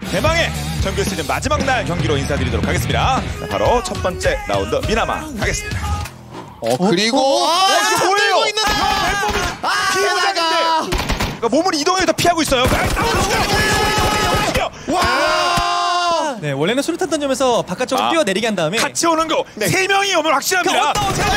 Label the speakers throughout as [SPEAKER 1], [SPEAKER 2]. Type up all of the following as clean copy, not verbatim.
[SPEAKER 1] 대망의 정규 시즌 마지막 날 경기로 인사드리도록 하겠습니다. 자, 바로 첫 번째 라운드 미나마 가겠습니다.
[SPEAKER 2] 그리고
[SPEAKER 1] 이거 뭐예요?
[SPEAKER 2] 있는데
[SPEAKER 1] 피해자가 그러니까 몸을 이동해서 피하고 있어요.
[SPEAKER 2] 와!
[SPEAKER 3] 네, 원래는 수류탄 던지면서 바깥쪽으로 뛰어내리게 한 다음에
[SPEAKER 1] 같이 오는 거 세 명이 오면 확실합니다.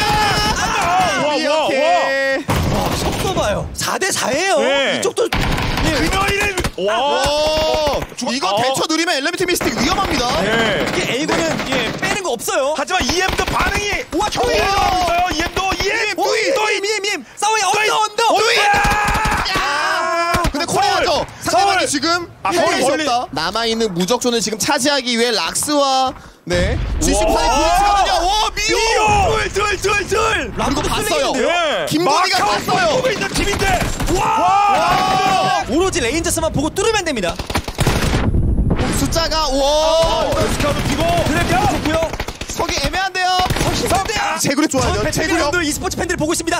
[SPEAKER 2] 이렇게
[SPEAKER 3] 속도 봐요. 4대4예요.
[SPEAKER 1] 네.
[SPEAKER 3] 이쪽도
[SPEAKER 1] 그녀이를 와.
[SPEAKER 2] 이거 대처 누리면 엘리베이터 미스틱 위험합니다.
[SPEAKER 1] 네.
[SPEAKER 3] 이게 A군은 빼는 거 없어요.
[SPEAKER 1] 하지만 EM도 반응이
[SPEAKER 3] 우와,
[SPEAKER 1] 좋아요. 있어요. EM도 EM
[SPEAKER 3] 오, EM 싸워요. 언더.
[SPEAKER 2] 근데 코리아죠. 상대방이 지금
[SPEAKER 1] 서울
[SPEAKER 2] 수
[SPEAKER 1] 멀리-
[SPEAKER 2] 없다. 남아있는 무적존을 지금 차지하기 위해 락스와 G18의 부딪히거든요. 와 미오!
[SPEAKER 1] 둘.
[SPEAKER 2] 그리고 봤어요.
[SPEAKER 1] 예.
[SPEAKER 2] 김건희가
[SPEAKER 1] 마카오
[SPEAKER 2] 봤어요.
[SPEAKER 1] 보고 있는 팀인데. 와.
[SPEAKER 3] 오로지 레인저스만 보고 뚫으면 됩니다.
[SPEAKER 2] 숫자가 와
[SPEAKER 1] 스카우트 피고.
[SPEAKER 3] 그래도 좋고요.
[SPEAKER 2] 서기 애매한데요. 제구력 좋아요. 제구력.
[SPEAKER 3] 배틀그라운드 e스포츠 팬들이 보고 있습니다.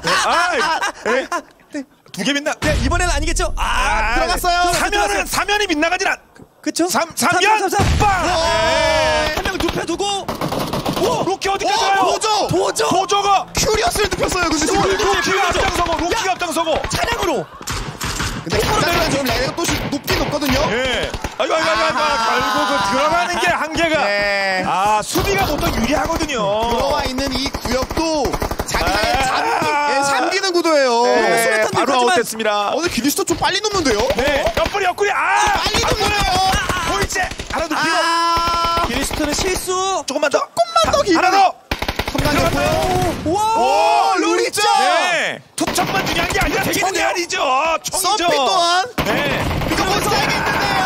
[SPEAKER 1] 두개 빛나.
[SPEAKER 3] 네, 이번에는 아니겠죠?
[SPEAKER 2] 들어갔어요.
[SPEAKER 1] 사면이 빗나가질 않.
[SPEAKER 3] 그쵸?
[SPEAKER 1] 삼연
[SPEAKER 3] 빵!
[SPEAKER 1] 네.
[SPEAKER 3] 한 명을 눕혀두고
[SPEAKER 1] 로키 어디까지 가요? 도저가
[SPEAKER 2] 큐리어스를 눕혔어요. 근데 지금
[SPEAKER 1] 로키가 앞장서고.
[SPEAKER 3] 차량으로
[SPEAKER 2] 근데 각자가 좀 레이가 또 높긴 높거든요.
[SPEAKER 1] 예. 아이고. 결국 그 들어가는 게 한계가.
[SPEAKER 2] 네.
[SPEAKER 1] 수비가 보통 유리하거든요.
[SPEAKER 2] 들어와 있는 이 구역도 자기장에 잠기는 구도예요.
[SPEAKER 1] 네, 바로
[SPEAKER 3] 그렇지만-
[SPEAKER 1] 아웃됐습니다.
[SPEAKER 2] 오늘 기리스도 좀 빨리 눕는데요?
[SPEAKER 1] 네. 옆구리.
[SPEAKER 2] 빨리 눕네요.
[SPEAKER 1] 보이지? 하나 더 비워.
[SPEAKER 3] 기리스트는 실수.
[SPEAKER 1] 조금만 더.
[SPEAKER 2] 더
[SPEAKER 1] 하나 더.
[SPEAKER 2] 컴ando.
[SPEAKER 3] 와!
[SPEAKER 2] 루리죠.
[SPEAKER 1] 네. 투척만 중요한 게 아니라 총이 아니죠. 총이죠.
[SPEAKER 2] 서피 또한
[SPEAKER 1] 네.
[SPEAKER 2] 이거 못 살겠는데요.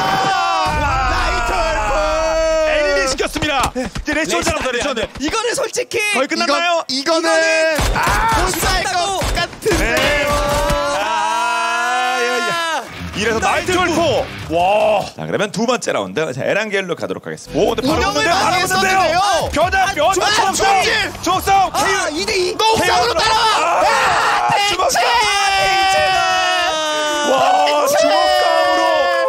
[SPEAKER 1] 엘리 시켰습니다. 이제 레이션잖아, 레이션.
[SPEAKER 3] 이거는 솔직히
[SPEAKER 1] 거의 끝났나요?
[SPEAKER 2] 이거는 못 살 것 같은데요.
[SPEAKER 1] 네. 이래서 나이트 골프. 와. 자, 그러면 두 번째 라운드. 자, 에란겔로 가도록 하겠습니다. 오, 근데 바로
[SPEAKER 2] 운영을
[SPEAKER 1] 붙는데요.
[SPEAKER 2] 많이
[SPEAKER 1] 바로 붙는데요.
[SPEAKER 2] 했었는데요.
[SPEAKER 1] 변화. 주먹싸움.
[SPEAKER 3] 아, 2대2.
[SPEAKER 2] 공격으로 따라와.
[SPEAKER 1] 주먹싸움.
[SPEAKER 2] 와,
[SPEAKER 1] 와, 주먹싸움으로.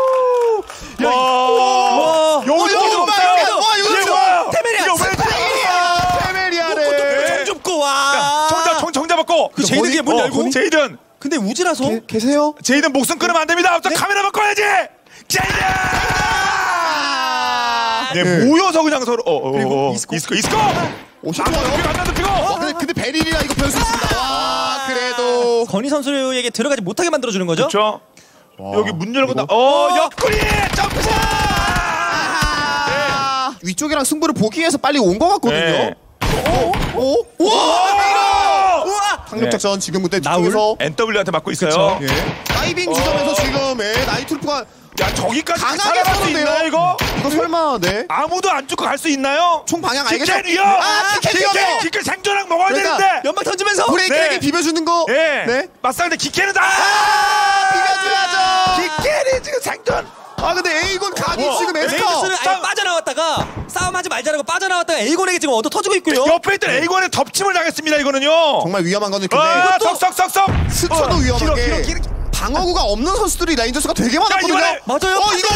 [SPEAKER 1] 와. 용기도 없어요.
[SPEAKER 2] 와, 이거
[SPEAKER 1] 이게 뭐야?
[SPEAKER 3] 테메리아.
[SPEAKER 1] 이거 왜
[SPEAKER 2] 페메리아를.
[SPEAKER 3] 총 줍고 와.
[SPEAKER 1] 총 잡았고.
[SPEAKER 3] 그 제이든이 문 열고.
[SPEAKER 1] 제이든.
[SPEAKER 3] 근데 우지라서
[SPEAKER 2] 계세요?
[SPEAKER 1] 제이든 목숨 끊으면 안 됩니다. 저 카메라 바꿔야지. 제이든. 네, 모여서 그냥 서로.
[SPEAKER 3] 그리고
[SPEAKER 1] 이스코.
[SPEAKER 2] 좋아요.
[SPEAKER 1] 피고.
[SPEAKER 2] 근데 베릴이라 이거 변수 있습니다. 와, 그래도
[SPEAKER 3] 건희 선수에게 들어가지 못하게 만들어주는 거죠?
[SPEAKER 1] 그렇죠. 여기 문 열고 나. 옆구리 점프샷.
[SPEAKER 2] 위쪽이랑 승부를 보기 위해서 빨리 온 것 같거든요.
[SPEAKER 1] 네.
[SPEAKER 3] 우와!
[SPEAKER 2] 상륙작전 지금 그때
[SPEAKER 3] 나울?
[SPEAKER 2] 뒤쪽에서
[SPEAKER 1] NW한테 맞고 있어요.
[SPEAKER 2] 다이빙 지점에서 지금 나이트루프가
[SPEAKER 1] 야, 저기까지
[SPEAKER 2] 강하게
[SPEAKER 1] 살아갈 수
[SPEAKER 2] 쏘는데요.
[SPEAKER 1] 있나요, 이거?
[SPEAKER 2] 이거 설마
[SPEAKER 1] 아무도 안 죽고 갈 수 있나요?
[SPEAKER 2] 총 방향 알겠죠?
[SPEAKER 1] 기켈이요.
[SPEAKER 2] 기켈!
[SPEAKER 1] 기켈 생존랑 먹어야
[SPEAKER 2] 그러니까
[SPEAKER 1] 되는데.
[SPEAKER 3] 연막 던지면서
[SPEAKER 2] 브레이크에게
[SPEAKER 1] 네.
[SPEAKER 2] 비벼주는 거.
[SPEAKER 1] 네. 맞상대 기켈은 다.
[SPEAKER 2] 비벼줘야죠.
[SPEAKER 1] 기켈이 지금 생존.
[SPEAKER 2] 근데 에이곤 각이 지금 에스터.
[SPEAKER 3] 레이저스는 아예 빠져나왔다가 싸움하지 말자라고 빠져나왔다가 에이곤에게 지금 얻어 터지고 있고요.
[SPEAKER 1] 옆에 있던 A권에 덮침을 당했습니다, 이거는요.
[SPEAKER 2] 정말 위험한 거는 근데
[SPEAKER 1] 썩.
[SPEAKER 2] 스쳐도 위험한 게
[SPEAKER 1] 길어.
[SPEAKER 2] 방어구가 없는 선수들이 라인저스가 되게 많았거든요.
[SPEAKER 1] 이번에-
[SPEAKER 3] 맞아요.
[SPEAKER 2] 이거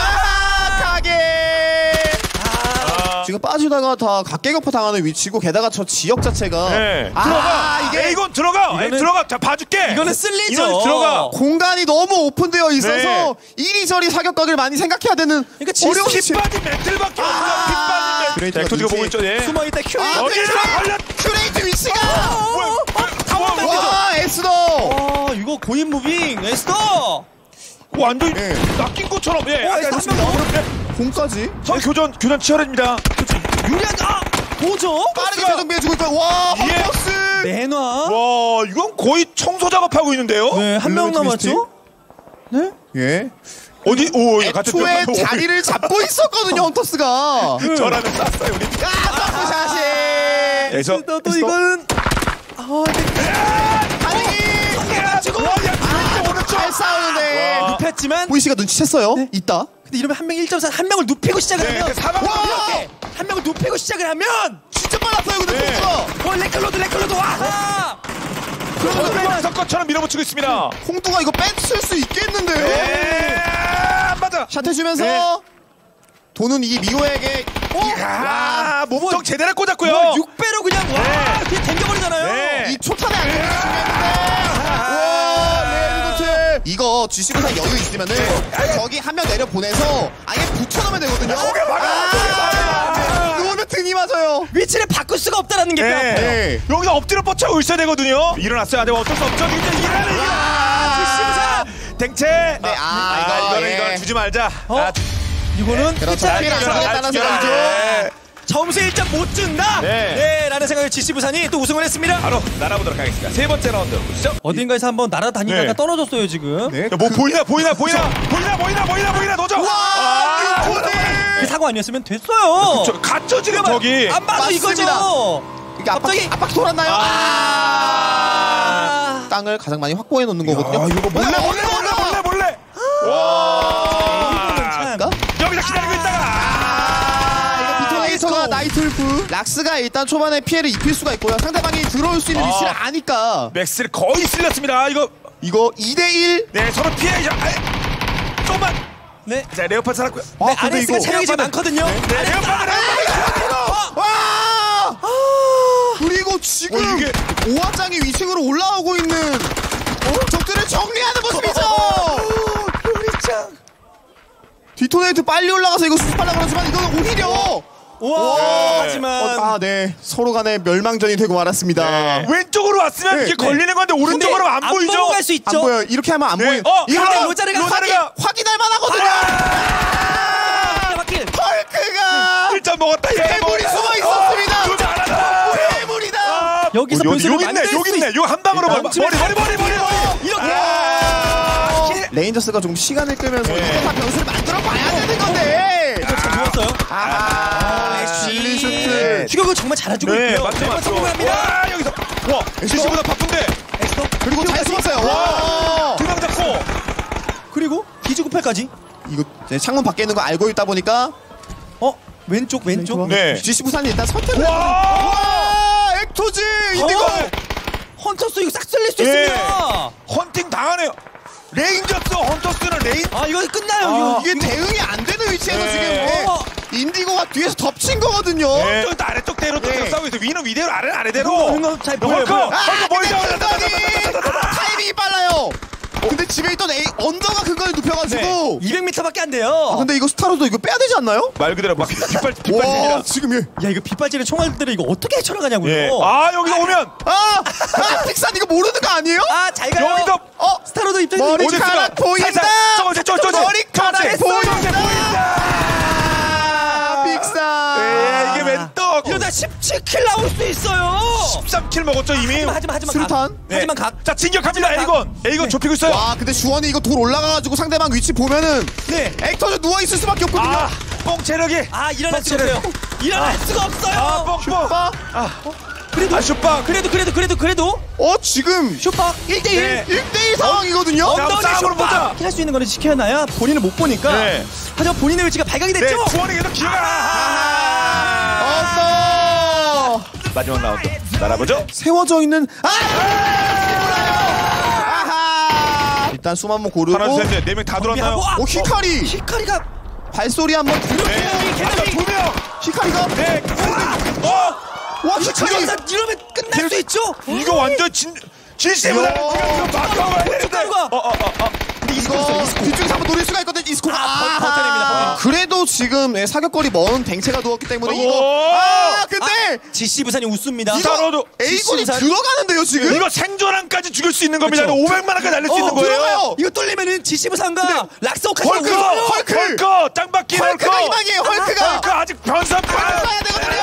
[SPEAKER 2] 가게. 지금 빠지다가 다 각계격파 당하는 위치고 게다가 저 지역 자체가
[SPEAKER 1] 네.
[SPEAKER 2] 들어가
[SPEAKER 1] 이게 A권 들어가. 들어가. 자, 봐줄게.
[SPEAKER 3] 이거는 쓸리죠.
[SPEAKER 1] 이건 들어가.
[SPEAKER 2] 공간이 너무 오픈되어 있어서 이리저리 사격각을 많이 생각해야 되는
[SPEAKER 3] 그러니까
[SPEAKER 2] 어려운
[SPEAKER 1] 핏 빠진 멘틀밖에 없어. 핏 빠진 멘틀.
[SPEAKER 2] 그레이트가
[SPEAKER 1] 엑토지가 보고
[SPEAKER 2] 눈치-
[SPEAKER 1] 있죠, 예.
[SPEAKER 3] 숨어있다 큐.
[SPEAKER 1] 여기다 걸렸.
[SPEAKER 2] 큐레이트 위치가
[SPEAKER 3] 타워맨 되죠.
[SPEAKER 2] 와 에스더
[SPEAKER 3] 이거 고인 무빙 에스더.
[SPEAKER 1] 완전
[SPEAKER 2] 예.
[SPEAKER 1] 낚인 것처럼. 예.
[SPEAKER 3] 에스더 한 명.
[SPEAKER 2] 공까지
[SPEAKER 1] 교전 치열합니다.
[SPEAKER 3] 유리한 도저.
[SPEAKER 2] 빠르게 재정비해주고 있다. 와
[SPEAKER 1] 예.
[SPEAKER 2] 헛버스
[SPEAKER 3] 내놔.
[SPEAKER 1] 와, 이건 거의 청소 작업하고 있는데요.
[SPEAKER 3] 네, 한 명 남았죠? 네?
[SPEAKER 2] 예.
[SPEAKER 1] 어디? 오, 같은
[SPEAKER 2] 애초에
[SPEAKER 1] 편.
[SPEAKER 2] 자리를 잡고 있었거든요 헌터스가.
[SPEAKER 1] 저라면 쐈어요, 우리.
[SPEAKER 2] 점프샷이.
[SPEAKER 1] 그래서
[SPEAKER 3] 또 이거는
[SPEAKER 2] 잘 싸우는데
[SPEAKER 3] 눕혔지만
[SPEAKER 2] 보이시가 눈치챘어요. 있다.
[SPEAKER 3] 근데 이러면 한 명 1.4 한 명을 눕히고 시작을
[SPEAKER 1] 네,
[SPEAKER 3] 하면
[SPEAKER 1] 사방
[SPEAKER 3] 이렇게 한 명을 눕히고 시작을 하면
[SPEAKER 2] 진짜 빨랐어요 근데 선수가.
[SPEAKER 3] 레클로드 와.
[SPEAKER 1] 그러면 것처럼 밀어붙이고 있습니다.
[SPEAKER 2] 홍두가 이거 뺏을 수 있겠는데요.
[SPEAKER 1] 안 맞아.
[SPEAKER 2] 샷 해주면서
[SPEAKER 1] 네.
[SPEAKER 2] 도는 이 미호에게
[SPEAKER 1] 몸통 제대로 꽂았고요.
[SPEAKER 3] 6배로 그냥 와
[SPEAKER 1] 네.
[SPEAKER 3] 그냥 댕겨버리잖아요.
[SPEAKER 1] 네.
[SPEAKER 2] 이 초탄에 안 걸리시는데 이거 GC부사 여유 있으면은 저기 한 명 내려 보내서 아예 붙여놓으면 되거든요. 누우면 등이 맞아요.
[SPEAKER 3] 위치를 바꿀 수가 없다라는 게 뼈 아파요.
[SPEAKER 2] 네.
[SPEAKER 1] 여기서 엎드려 뻗쳐 있어야 되거든요. 일어났어요. 하지만 어쩔 수 없죠. 일어나는 GC부사 댕채.
[SPEAKER 2] 네,
[SPEAKER 1] 이거는 주지 말자.
[SPEAKER 3] 이거는
[SPEAKER 2] 그렇죠. 피해를 안 주겠다는 생각이죠.
[SPEAKER 3] 점수 1점 못 준다.
[SPEAKER 1] 네.
[SPEAKER 3] 라는 생각에 GC 부산이 또 우승을 했습니다.
[SPEAKER 1] 바로 날아보도록 하겠습니다. 세 번째 라운드 보시죠.
[SPEAKER 3] 어딘가에서 한번 날아다니다가
[SPEAKER 1] 네.
[SPEAKER 3] 떨어졌어요 지금.
[SPEAKER 2] 네.
[SPEAKER 1] 뭐 보이나 도저.
[SPEAKER 3] 그 사고 아니었으면 됐어요.
[SPEAKER 1] 갇혀 지금 저기.
[SPEAKER 3] 안 봐도
[SPEAKER 2] 맞습니다.
[SPEAKER 3] 이거죠.
[SPEAKER 2] 이게
[SPEAKER 3] 갑자기
[SPEAKER 2] 압박 돌았나요? 땅을 가장 많이 확보해 놓는 거거든요.
[SPEAKER 1] 이거 몰래. 와.
[SPEAKER 3] 참.
[SPEAKER 1] 여기서 기다리고 있다가.
[SPEAKER 2] 비터네이터가 나이트울프. 락스가 일단 초반에 피해를 입힐 수가 있고요. 상대방이 들어올 수 있는 위치를 아니까.
[SPEAKER 1] 맥스를 거의 쓸렸습니다. 이거
[SPEAKER 2] 2대1.
[SPEAKER 1] 네 서로 피해. 조금만.
[SPEAKER 3] 네.
[SPEAKER 1] 자 레오파드 살았고요.
[SPEAKER 3] 네, RS가 체력이 좀 많거든요.
[SPEAKER 1] 네 레오파드.
[SPEAKER 2] 와! 그리고 지금
[SPEAKER 1] 이게-
[SPEAKER 2] 오화장이 위층으로 올라오고 있는 적들을 정리하는 모습이죠. 디토네이트 빨리 올라가서 이거 수습하려고 그러지만 이거는 오히려
[SPEAKER 3] 와. 하지만
[SPEAKER 2] 네. 서로 간에 멸망전이 되고 말았습니다.
[SPEAKER 1] 왼쪽으로 왔으면
[SPEAKER 2] 네,
[SPEAKER 1] 이게
[SPEAKER 2] 네.
[SPEAKER 1] 걸리는 건데 오른쪽으로 안 보이죠.
[SPEAKER 3] 보고 갈 수
[SPEAKER 2] 안
[SPEAKER 3] 있죠.
[SPEAKER 2] 보여요. 이렇게 하면 안
[SPEAKER 1] 네.
[SPEAKER 2] 보여요.
[SPEAKER 1] 이거
[SPEAKER 3] 근데 로자르가
[SPEAKER 2] 확인할 만하거든요.
[SPEAKER 3] 바퀴.
[SPEAKER 2] 헐크가
[SPEAKER 1] 1점 먹었다.
[SPEAKER 2] 괴물이 숨어 있었습니다.
[SPEAKER 1] 잘하다.
[SPEAKER 2] 괴물이다.
[SPEAKER 3] 여기서
[SPEAKER 1] 여기
[SPEAKER 3] 변수를
[SPEAKER 1] 있네.
[SPEAKER 3] 만들
[SPEAKER 1] 여기
[SPEAKER 3] 수
[SPEAKER 1] 있네.
[SPEAKER 3] 있-
[SPEAKER 1] 요 한 방으로
[SPEAKER 3] 일단
[SPEAKER 1] 머리.
[SPEAKER 3] 이렇게.
[SPEAKER 2] 레인저스가 좀 시간을 끌면서
[SPEAKER 1] 네.
[SPEAKER 2] 이거 다 변수를 만들어 봐야 되는 건데.
[SPEAKER 3] 좋았어요.
[SPEAKER 2] 실리 슈트.
[SPEAKER 3] 추격을 정말 잘해주고
[SPEAKER 1] 네,
[SPEAKER 3] 있고요.
[SPEAKER 1] 맞죠.
[SPEAKER 3] 성공합니다.
[SPEAKER 1] 와, 여기서 와, CC보다 바쁜데.
[SPEAKER 2] 그리고 잘 숨었어요. 와.
[SPEAKER 1] 두 명 잡고.
[SPEAKER 3] 그리고 기지구팔까지.
[SPEAKER 2] 이거 이제 창문 밖에 있는 거 알고 있다 보니까
[SPEAKER 3] 왼쪽.
[SPEAKER 1] 네.
[SPEAKER 2] GC 부산이 일단 선택을.
[SPEAKER 1] 와!
[SPEAKER 2] 와, 엑토즈 인디고.
[SPEAKER 3] 헌터스 이거 싹 쓸릴 수
[SPEAKER 1] 예.
[SPEAKER 3] 있습니다.
[SPEAKER 1] 헌팅 당하네요. 레인저스 헌터스는 레인.
[SPEAKER 3] 아 이거 끝나요.
[SPEAKER 2] 이게 대응이 안 되는 위치에서
[SPEAKER 1] 네.
[SPEAKER 2] 지금 인디고가 뒤에서 덮친 거거든요.
[SPEAKER 1] 또 아래쪽 대로 또
[SPEAKER 2] 네.
[SPEAKER 1] 싸우고 있어. 위는 위대로 아래는 아래대로.
[SPEAKER 3] 이거 잘 보여요.
[SPEAKER 1] 헐크
[SPEAKER 2] 근데
[SPEAKER 1] 보이죠?
[SPEAKER 2] 타이밍이 빨라요. 근데 집에 있던 언더가 그걸 눕혀가지고.
[SPEAKER 3] 200m밖에 안 돼요.
[SPEAKER 2] 근데 이거 스타로도 이거 빼야 되지 않나요?
[SPEAKER 1] 말 그대로 막
[SPEAKER 2] 와,
[SPEAKER 1] 빗발입니다.
[SPEAKER 2] 지금 얘.
[SPEAKER 3] 야 이거 빗발질의 총알들을 이거 어떻게 헤쳐나가냐고요.
[SPEAKER 1] 예. 아 여기서 오면
[SPEAKER 2] 픽산 이거 모르는 거 아니에요?
[SPEAKER 3] 잘 가요.
[SPEAKER 1] 여기서
[SPEAKER 3] 스타로도 입장이
[SPEAKER 2] 머리카락 보인다.
[SPEAKER 1] 저거
[SPEAKER 2] 머리카락 보인다. 픽산.
[SPEAKER 1] 이게 웬 떡?
[SPEAKER 3] 이러다 17킬 나올 수 있어요.
[SPEAKER 1] 13킬 먹었죠 이미.
[SPEAKER 3] 하지만
[SPEAKER 2] 수류탄?
[SPEAKER 1] 네.
[SPEAKER 3] 하지만 각.
[SPEAKER 1] 자 진격합니다. 에이건 좁히고 있어요.
[SPEAKER 2] 와, 근데 주원이 이거 돌 올라가가지고 상대방 위치 보면은
[SPEAKER 3] 네.
[SPEAKER 2] 액터즈 누워 있을 수밖에 없거든요.
[SPEAKER 1] 뽕 체력이.
[SPEAKER 3] 일어날 수가 없어요. 일어날 수가 없어요.
[SPEAKER 1] 뽕.
[SPEAKER 2] 슈퍼.
[SPEAKER 3] 그래도
[SPEAKER 1] 슈빵.
[SPEAKER 3] 그래도
[SPEAKER 2] 지금
[SPEAKER 3] 슈퍼 1대1.
[SPEAKER 1] 네.
[SPEAKER 2] 1대1 상황이거든요.
[SPEAKER 1] 자, 싸움으로 보자.
[SPEAKER 3] 할 수 있는 거는 지켜놔야 본인을 못 보니까.
[SPEAKER 1] 네.
[SPEAKER 3] 하지만 본인의 위치가 발각이
[SPEAKER 1] 네.
[SPEAKER 3] 됐죠.
[SPEAKER 1] 주원이 계속 기회가.
[SPEAKER 2] 언더.
[SPEAKER 1] 마지막 라운드 날아보죠.
[SPEAKER 2] 세워져 있는 일단 숨 한번 고르고.
[SPEAKER 1] 하나 둘 셋 넷 명 다 들어왔나요?
[SPEAKER 2] 히카리.
[SPEAKER 3] 히카리가
[SPEAKER 2] 발소리 한번 들려.
[SPEAKER 1] 두 명.
[SPEAKER 2] 히카리가.
[SPEAKER 1] 네.
[SPEAKER 2] 와, 히카리.
[SPEAKER 3] 이러면 끝날 수 있죠.
[SPEAKER 1] 이거 완전 진심으로 막아야 되는데.
[SPEAKER 3] 히카리가
[SPEAKER 2] 이거 뒤쪽에서 한번 노릴 수가 있거든. 이스코.
[SPEAKER 3] 버텨냅니다.
[SPEAKER 2] 그래도 지금 사격거리 먼 댕체가 누웠기 때문에
[SPEAKER 1] 오.
[SPEAKER 2] 이거. 근데
[SPEAKER 3] GC 부산이 웃습니다.
[SPEAKER 1] 이거
[SPEAKER 2] 에이곤이
[SPEAKER 3] 부산.
[SPEAKER 2] 들어가는데요 지금.
[SPEAKER 1] 이거 생존함까지 죽일 수 있는 겁니다.
[SPEAKER 3] 그렇죠.
[SPEAKER 1] 500만원까지 날릴 수 있는 거예요.
[SPEAKER 2] 들어가요.
[SPEAKER 3] 이거 뚫리면은 GC 부산과 락스오카시
[SPEAKER 1] 헐크 땅바퀴
[SPEAKER 2] 헐크가 희망이에요. 헐크가.
[SPEAKER 1] 헐크 아직 변선
[SPEAKER 2] 써야 되거든요.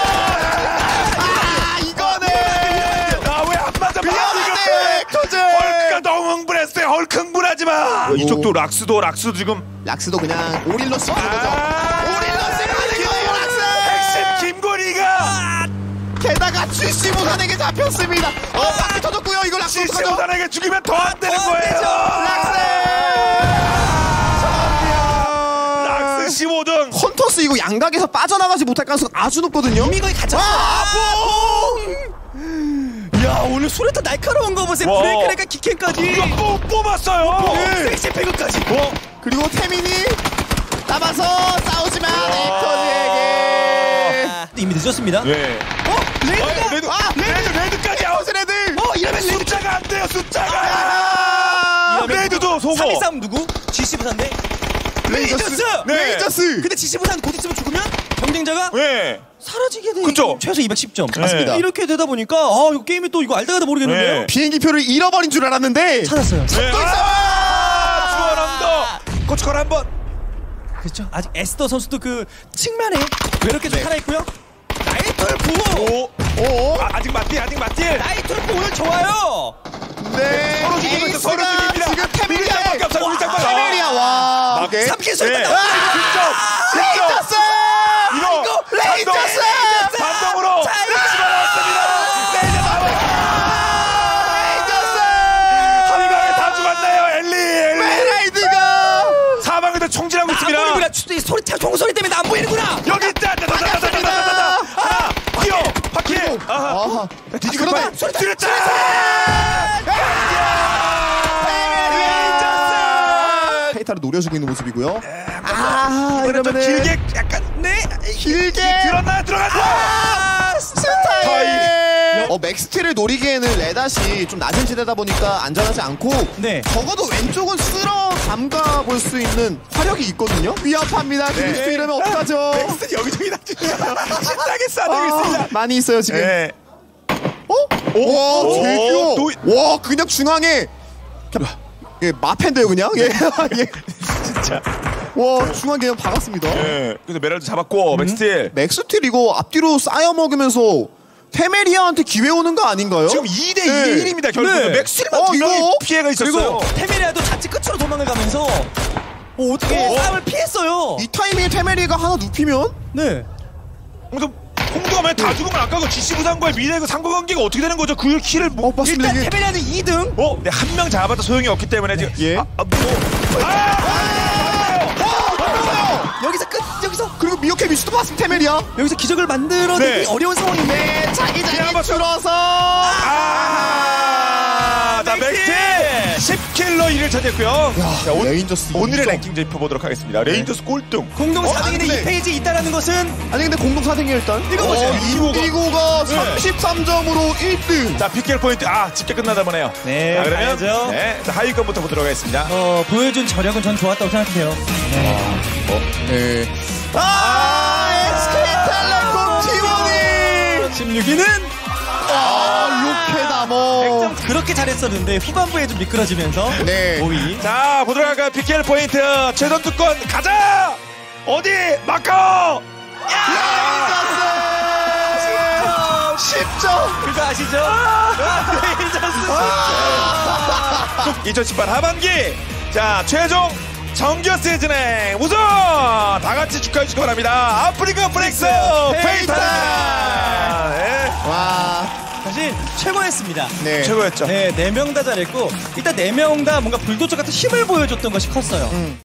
[SPEAKER 2] 이거는
[SPEAKER 1] 나왜 안 맞아?
[SPEAKER 2] 미안한데 엑토즈.
[SPEAKER 1] 헐크가 너무 흥분했어요. 헐크 흥분하지 마. 이쪽도 락스도 지금
[SPEAKER 2] 락스도 그냥 오릴로 쓰는 거죠. 오릴로 쓰는 거예요 락스.
[SPEAKER 1] 핵심 김건희가
[SPEAKER 2] 게다가 GC 부산에게 잡혔습니다. 바퀴 터졌고요. 이거 락스 어떡하죠?
[SPEAKER 1] 시오단에게 죽이면 더 안 되는 거예요. 락스 15등.
[SPEAKER 2] 헌터스 이거 양각에서 빠져나가지 못할 가능성 아주 높거든요.
[SPEAKER 3] 이미 거의 갇혔어. 야 오늘 수레타 날카로운 거 보세요.
[SPEAKER 1] 와.
[SPEAKER 3] 브레이크레가 키캔까지.
[SPEAKER 1] 이거 뽑았어요.
[SPEAKER 3] 섹시 배그까지.
[SPEAKER 2] 그리고 태민이 남아서 싸우지만 에이커즈에게.
[SPEAKER 3] 이미 늦었습니다.
[SPEAKER 1] 네. 레드까지 아웃.
[SPEAKER 2] 레드.
[SPEAKER 3] 이러면
[SPEAKER 1] 숫자가 안 돼요. 숫자가. 레드도 소고.
[SPEAKER 3] 3위 싸움 누구? GC 부산대. 레이저스.
[SPEAKER 1] 네.
[SPEAKER 2] 레이저스.
[SPEAKER 3] 근데 GC 부산 곧 있으면 죽으면 경쟁자가
[SPEAKER 1] 네.
[SPEAKER 3] 사라지게 돼.
[SPEAKER 1] 그쵸?
[SPEAKER 3] 최소 210점.
[SPEAKER 2] 맞습니다.
[SPEAKER 3] 이렇게 되다 보니까 이거 게임이 또 이거 알다가도 모르겠는데요.
[SPEAKER 1] 네.
[SPEAKER 2] 비행기표를 잃어버린 줄 알았는데.
[SPEAKER 3] 찾았어요.
[SPEAKER 1] 네. 주원함도 고춧가루 한 번.
[SPEAKER 3] 그렇죠. 아직 에스더 선수도 그 측면에 외롭게 좀 살아있고요. 나이트월프.
[SPEAKER 2] 오.
[SPEAKER 1] 아직 맞디.
[SPEAKER 3] 나이트월프 오늘 좋아요.
[SPEAKER 2] 네.
[SPEAKER 1] 서로 죽이고 있어. 서로
[SPEAKER 2] 에이스가
[SPEAKER 1] 죽입니다.
[SPEAKER 2] 지금 테메리아에.
[SPEAKER 1] 우리 짝밖에 없어.
[SPEAKER 2] 테메리아 와.
[SPEAKER 1] 막
[SPEAKER 2] 이게.
[SPEAKER 3] 3킬 소리가
[SPEAKER 1] 네.
[SPEAKER 3] 나와.
[SPEAKER 2] 레이저스.
[SPEAKER 1] 이거
[SPEAKER 2] 레이저스.
[SPEAKER 1] 반동으로 집어넣었습니다.
[SPEAKER 2] 레이저스.
[SPEAKER 1] 한방에 다 죽었나요? 엘리.
[SPEAKER 2] 메라이드가.
[SPEAKER 1] 사방에서 총질하고
[SPEAKER 3] 안
[SPEAKER 1] 있습니다.
[SPEAKER 3] 보이는구나. 소리 총소리 때문에 안 보이는구나.
[SPEAKER 1] 여기 있다. 하나 뛰어. 바퀴. 아하. 뒤지고
[SPEAKER 2] 그러다.
[SPEAKER 1] 소리 들었다.
[SPEAKER 2] 페이타를 노려주고 있는 모습이고요.
[SPEAKER 1] 이번엔 좀
[SPEAKER 2] 이러면은
[SPEAKER 1] 길게 약간
[SPEAKER 2] 길게
[SPEAKER 1] 들었나?
[SPEAKER 2] 스타일. 맥스티를 노리기에는 레닷이 좀 낮은 지대다 보니까 안전하지 않고
[SPEAKER 3] 네.
[SPEAKER 2] 적어도 왼쪽은 쓸어 담가 볼 수 있는 화력이 있거든요. 위협합니다. 그리스도 이러면 어떡하죠?
[SPEAKER 1] 넥슨 여기저기 다치네요. 신나게 싸대고 있습니다.
[SPEAKER 2] 많이 있어요 지금.
[SPEAKER 1] 네.
[SPEAKER 2] 와, 제규.
[SPEAKER 1] 노이-
[SPEAKER 2] 와, 그냥 중앙에. 예, 마펜데요 그냥. 예, 예.
[SPEAKER 1] 진짜.
[SPEAKER 2] 와, 중앙 그냥 박았습니다.
[SPEAKER 1] 네. 그래서 메랄도 잡았고 맥스틸.
[SPEAKER 2] 맥스틸 이거 앞뒤로 쌓여 먹으면서 테메리아한테 기회 오는 거 아닌가요?
[SPEAKER 1] 지금 2대
[SPEAKER 2] 네.
[SPEAKER 1] 1입니다 결국은.
[SPEAKER 3] 네.
[SPEAKER 1] 맥스틸만
[SPEAKER 2] 이거?
[SPEAKER 1] 분명히 피해가 있었어요.
[SPEAKER 3] 그리고 테메리아도 자칫 끝으로 도망을 가면서 어떻게 싸움을 피했어요.
[SPEAKER 2] 이 타이밍에 테메리아가 하나 눕히면
[SPEAKER 3] 네.
[SPEAKER 1] 그래서 홍두가 만약 다 죽으면 아까 GC 부산과의 미래의 그 상관관계가 어떻게 되는 거죠? 그 키를 뭐
[SPEAKER 2] 맞습니다.
[SPEAKER 3] 일단
[SPEAKER 2] 이게
[SPEAKER 3] 테메리아는 2등.
[SPEAKER 1] 네, 한 명 잡아도 소용이 없기 때문에 지금
[SPEAKER 2] 예.
[SPEAKER 3] 여기서 끝. 여기서
[SPEAKER 2] 그리고 미오케 미슈도 봤으면 테메리아.
[SPEAKER 3] 여기서 기적을 만들어내기
[SPEAKER 1] 네.
[SPEAKER 3] 어려운 상황인데.
[SPEAKER 2] 네, 자기장이
[SPEAKER 1] 한번
[SPEAKER 2] 줄어서.
[SPEAKER 1] 자 맥스틸 10킬로 1위를 차지했고요. 자,
[SPEAKER 2] 레인저스
[SPEAKER 1] 오늘의
[SPEAKER 2] 인정.
[SPEAKER 1] 랭킹 짚어보도록 하겠습니다. 레인저스 꼴등.
[SPEAKER 3] 공동
[SPEAKER 2] 안
[SPEAKER 3] 4등인데
[SPEAKER 2] 돼.
[SPEAKER 3] 2페이지 있다라는 것은
[SPEAKER 2] 아니 근데 공동 4등이 일단.
[SPEAKER 3] 이거 보세요.
[SPEAKER 2] 인디고가 33점으로 1등.
[SPEAKER 1] 자 PKL 포인트 집계 끝나다 보네요.
[SPEAKER 3] 네,
[SPEAKER 1] 자, 그러면
[SPEAKER 3] 가야죠.
[SPEAKER 1] 네, 자, 하위권부터 보도록 하겠습니다.
[SPEAKER 3] 보여준 저력은 전 좋았다고 생각해요.
[SPEAKER 2] 네. SK텔레콤 T1이
[SPEAKER 3] 16위는
[SPEAKER 2] 로켓아머.
[SPEAKER 3] 그렇게 잘했었는데 후반부에 좀 미끄러지면서
[SPEAKER 2] 네.
[SPEAKER 3] 5위.
[SPEAKER 1] 자 보도록 할까요? PKL 포인트 최선 투권 가자. 어디 마커.
[SPEAKER 2] 10점.
[SPEAKER 3] 그거 아시죠? 레이저스
[SPEAKER 1] 2018 하반기 자 최종 정규 시즌의 우승 다 같이 축하해 주시기 바랍니다. 아프리카 프렉스 페이타. 네.
[SPEAKER 2] 와.
[SPEAKER 3] 사실 최고였습니다.
[SPEAKER 2] 네.
[SPEAKER 1] 최고였죠.
[SPEAKER 3] 네, 4명 다 잘했고 일단 4명 다 뭔가 불도저 같은 힘을 보여줬던 것이 컸어요.